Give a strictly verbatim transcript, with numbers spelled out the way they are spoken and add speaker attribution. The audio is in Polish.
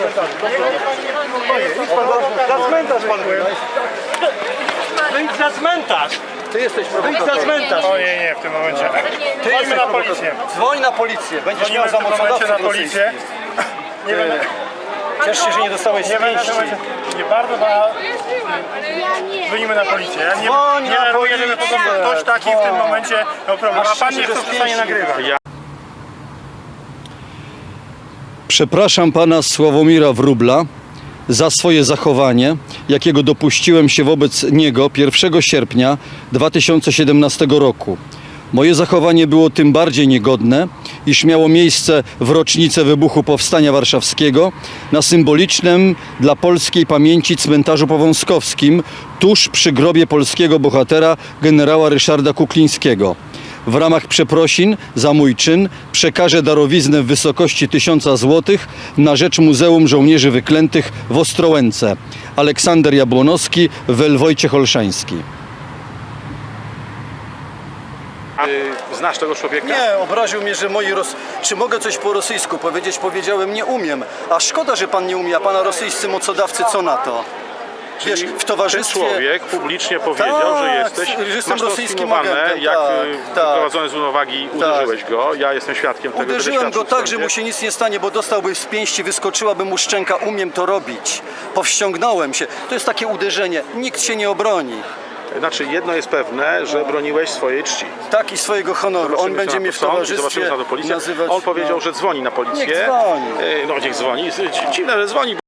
Speaker 1: Za cmentarz pan był.
Speaker 2: Wyjdź za cmentarz!
Speaker 1: Ty jesteś
Speaker 2: Wyjdź za
Speaker 1: prowokatorem.
Speaker 2: cmentarz!
Speaker 3: Ojej, nie, w tym momencie.
Speaker 1: Ty
Speaker 3: Dzwońmy
Speaker 1: jesteś
Speaker 3: na
Speaker 1: prowokatorem.
Speaker 3: policję.
Speaker 1: Dzwoń na policję. Będziesz
Speaker 3: Dzwonimy
Speaker 1: miał
Speaker 3: w
Speaker 1: za
Speaker 3: tym momencie na
Speaker 1: mocodawców
Speaker 3: policję. Nie będę,
Speaker 1: Ciesz się, że nie dostałeś
Speaker 3: nie będę,
Speaker 1: pięści.
Speaker 3: nie bardzo, bo dzwonimy na policję. Ja nie,
Speaker 1: Dzwoń
Speaker 3: nie
Speaker 1: na
Speaker 3: reaguję, żeby po prostu
Speaker 1: policję.
Speaker 3: ktoś taki w tym momencie miał problem. A pan nie
Speaker 1: Masz
Speaker 3: chce w stanie
Speaker 1: pięści.
Speaker 3: nagrywać.
Speaker 4: Przepraszam pana Sławomira Wróbla za swoje zachowanie, jakiego dopuściłem się wobec niego pierwszego sierpnia dwa tysiące siedemnastego roku. Moje zachowanie było tym bardziej niegodne, iż miało miejsce w rocznicę wybuchu Powstania Warszawskiego na symbolicznym dla polskiej pamięci cmentarzu powązkowskim tuż przy grobie polskiego bohatera generała Ryszarda Kuklińskiego. W ramach przeprosin za mój czyn przekażę darowiznę w wysokości tysiąca złotych na rzecz Muzeum Żołnierzy Wyklętych w Ostrołęce. Aleksander Jabłonowski, Wojciech Olszański.
Speaker 5: Znasz tego człowieka?
Speaker 1: Nie, obraził mnie, że moi Ros... Czy mogę coś po rosyjsku powiedzieć? Powiedziałem, nie umiem. A szkoda, że pan nie umie, a pana rosyjscy mocodawcy co na to? Wiesz, w
Speaker 5: Ten
Speaker 1: towarzystwie...
Speaker 5: człowiek publicznie powiedział,
Speaker 1: Tak,
Speaker 5: że jesteś,
Speaker 1: że jestem
Speaker 5: masz to
Speaker 1: rosyjskim
Speaker 5: sfilmowane,
Speaker 1: agentem,
Speaker 5: jak
Speaker 1: tak,
Speaker 5: y,
Speaker 1: tak.
Speaker 5: wyprowadzony z równowagi uderzyłeś go. Ja jestem świadkiem tego.
Speaker 1: Uderzyłem
Speaker 5: będę
Speaker 1: go
Speaker 5: świadczył w
Speaker 1: tak, że
Speaker 5: sądzie.
Speaker 1: mu się nic nie stanie, bo dostałby z pięści, wyskoczyłaby mu szczęka. Umiem to robić. Powściągnąłem się. To jest takie uderzenie. Nikt się nie obroni.
Speaker 5: Znaczy, jedno jest pewne, że broniłeś swojej czci.
Speaker 1: Tak, i swojego honoru. On
Speaker 5: Zobaczymy,
Speaker 1: będzie
Speaker 5: co na
Speaker 1: mnie
Speaker 5: to
Speaker 1: w
Speaker 5: sąd i
Speaker 1: towarzystwie
Speaker 5: Zobaczymy, co na to policja.
Speaker 1: nazywać...
Speaker 5: On powiedział,
Speaker 1: no.
Speaker 5: że dzwoni na policję.
Speaker 1: Niech dzwoni.
Speaker 5: Y, No niech dzwoni. Dziwne, że dzwoni.